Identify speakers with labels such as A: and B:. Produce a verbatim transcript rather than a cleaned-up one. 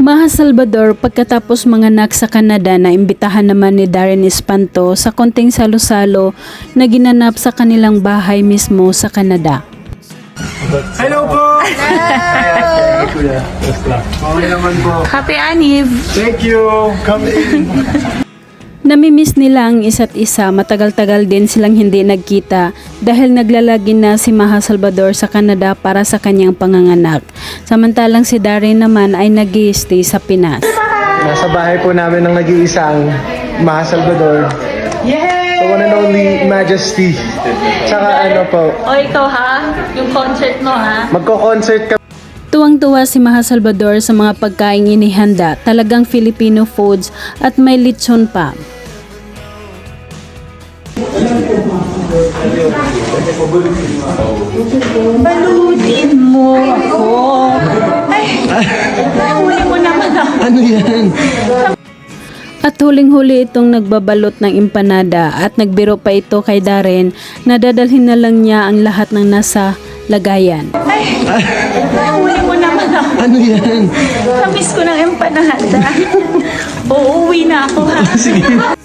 A: Maha Salvador, pagkatapos manganak sa Canada, na imbitahan naman ni Darren Espanto sa konting salo-salo na ginanap sa kanilang bahay mismo sa Canada.
B: Hello po! Hello! Okay naman po.
C: Happy Aniv!
B: Thank you! Come in!
A: Namimiss nila ang isa't isa, matagal-tagal din silang hindi nagkita dahil naglalagi na si Maha Salvador sa Canada para sa kanyang panganganak. Samantalang si Darren naman ay nag-i-stay sa Pinas.
B: Nasa bahay po namin ng nag-iisang Maha Salvador. The one and only Majesty. Tsaka ano po,
C: O ikaw ha? Yung concert mo ha?
B: magko-concert kami.
A: Tuwang-tuwa si Maha Salvador sa mga pagkaing inihanda, talagang Filipino foods at may lechon pa.
C: Balutin mo ako! Ay! Nahuli mo naman ako!
B: Ano yan?
A: At huling-huli itong nagbabalot ng empanada at nagbiro pa ito kay Darren na dadalhin na lang niya ang lahat ng nasa lagayan.
C: Ay! Nahuli mo naman ako!
B: Ano yan?
C: Kamiss ko ng empanada. Uuwi na ako ha?
B: Sige.